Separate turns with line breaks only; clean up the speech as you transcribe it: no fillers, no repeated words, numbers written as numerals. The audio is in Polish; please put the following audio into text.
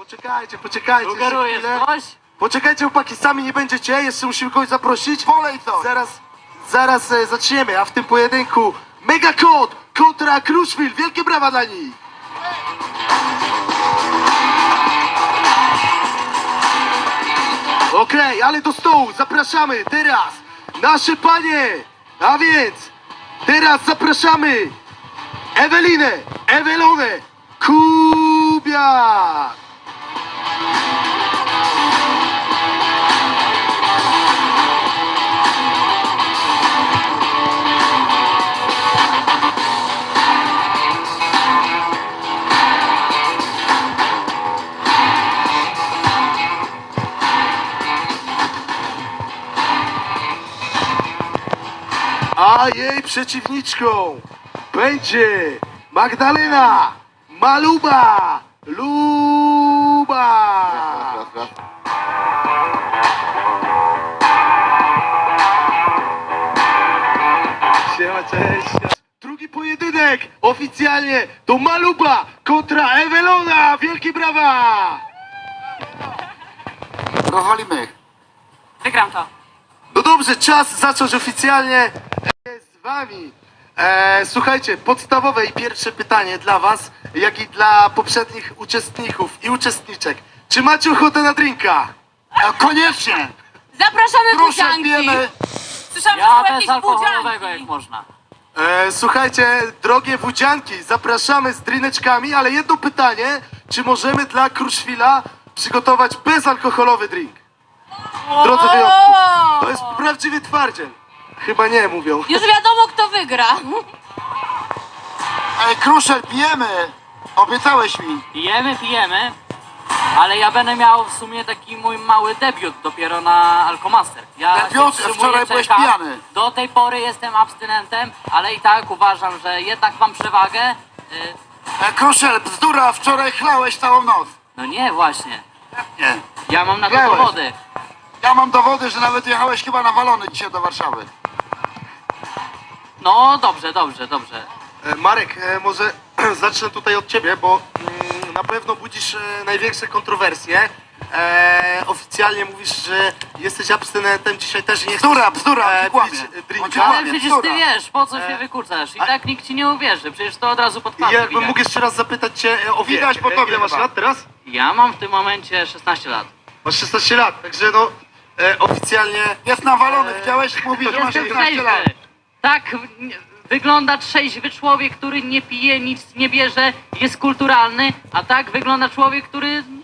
Poczekajcie. jeszcze
Sugerujesz
chwilę.
coś?
Poczekajcie, chłopaki, sami nie będziecie, jeszcze musimy kogoś zaprosić.
Polej coś.
Zaraz zaczniemy, a w tym pojedynku Mega Code kontra Kruszwil. Wielkie brawa dla nich. Okej, ale do stołu zapraszamy teraz nasze panie. A więc teraz zapraszamy Ewelonę Kubiak. A jej przeciwniczką będzie Magdalena Maluba Luba. Siema, cześć. Drugi pojedynek oficjalnie to Maluba kontra Ewelona. Wielkie brawa!
Rozwalimy ich.
Wygram to.
No dobrze, czas zacząć oficjalnie z wami. Słuchajcie, podstawowe i pierwsze pytanie dla was, jak i dla poprzednich uczestników i uczestniczek. Czy macie ochotę na drinka?
Koniecznie.
Zapraszamy
Proszę,
buzianki.
pijemy.
Słyszałam, że
Ja
są jakieś
bezalkoholowego jak
buzianki.
można.
Słuchajcie, drogie wódzianki, zapraszamy z drineczkami, ale jedno pytanie, czy możemy dla Kruszwila przygotować bezalkoholowy drink? Drodzy wyjątku, to jest prawdziwy twardziel. Chyba nie, mówią.
Już wiadomo, kto wygra.
Ej, Kruszel, pijemy. Obiecałeś mi.
Pijemy, ale ja będę miał w sumie taki mój mały debiut dopiero na Alkomaster. Ja
Debiut?
się wstrzymuję,
Wczoraj byłeś
czekam.
pijany.
Do tej pory jestem abstynentem, ale i tak uważam, że jednak mam przewagę.
Kruszel, bzdura, wczoraj chlałeś całą noc.
No nie, właśnie.
Nie.
Ja mam na to
Grałeś.
dowody.
Ja mam dowody, że nawet jechałeś chyba nawalony dzisiaj do Warszawy.
No dobrze.
Marek, może zacznę tutaj od ciebie, bo na pewno budzisz największe kontrowersje. Oficjalnie mówisz, że jesteś abstynentem, dzisiaj też nie chcesz
Bzdura, on ci kłamie.
pić
On ci
drinka.
kłamie.
Ale przecież ty
bzdura.
wiesz, po co się wykurzasz? I tak nikt ci nie uwierzy, przecież to od razu pod klatę
Jakbym
widać.
mógł jeszcze raz zapytać cię o wiek.
Widać po tobie
Ile masz
chyba.
lat teraz?
Ja mam w tym momencie 16 lat.
Masz 16 lat, także no oficjalnie...
Jest nawalony, chciałeś mówić, że masz
Jestem
16 lat.
trzeźwy. Tak wygląda trzeźwy człowiek, który nie pije, nic nie bierze, jest kulturalny, a tak wygląda człowiek, który